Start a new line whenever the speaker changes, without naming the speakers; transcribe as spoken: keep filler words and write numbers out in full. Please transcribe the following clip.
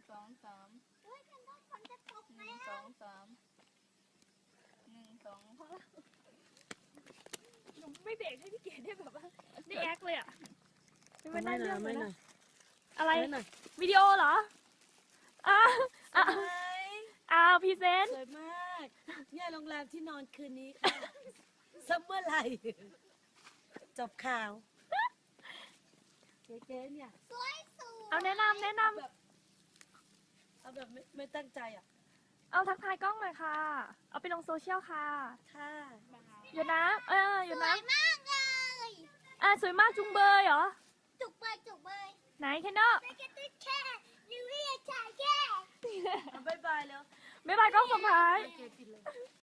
สองสาม
ด้วยกันต้องฝนจะตก
ห
แล้
นึ่ง
ว
สองสามหนึ่งสองพอแล้ว
หนูไม่เบรกให้พี่เก๋ได้แบบว่าได้แอคเลยอ่ะ
ไม่
ได้
น่า
เรื่อง
ไม่
เลย
น่า
นะอะไร
ไม่น่า
วิดีโอเหรออ่าอ่า
สวย
อ่าพรีเซนต์
สวยมากเนี่ยโรงแรมที่นอนคืนนี้ค่ะซัมเมอร์ไลท์จบข่าวเจ๊ๆเนี่ย
สวยสวย
เอาแนะนำแนะนำ
แบบเอาแบบไม่ไม่ตั้งใจอ่ะ
เอาทักทายกล้องหน่อยค่ะ เอาไปลงโซเชียลค่ะ
ค่ะ
หยดน้ำเออหย
ส
ด
ว
น้
ยมากเลย
ำอ่าสวยมากจุงเบยเหรอ
จุกเบยจุกเบย
ไหนแคนเนอร์
ไม่แค่ตุ้แค่นิวเรียชายแค่
เอาบายบายแล้ว
บ๊ายบายกล้องสุดท้าย
เจ๊ปิดเลย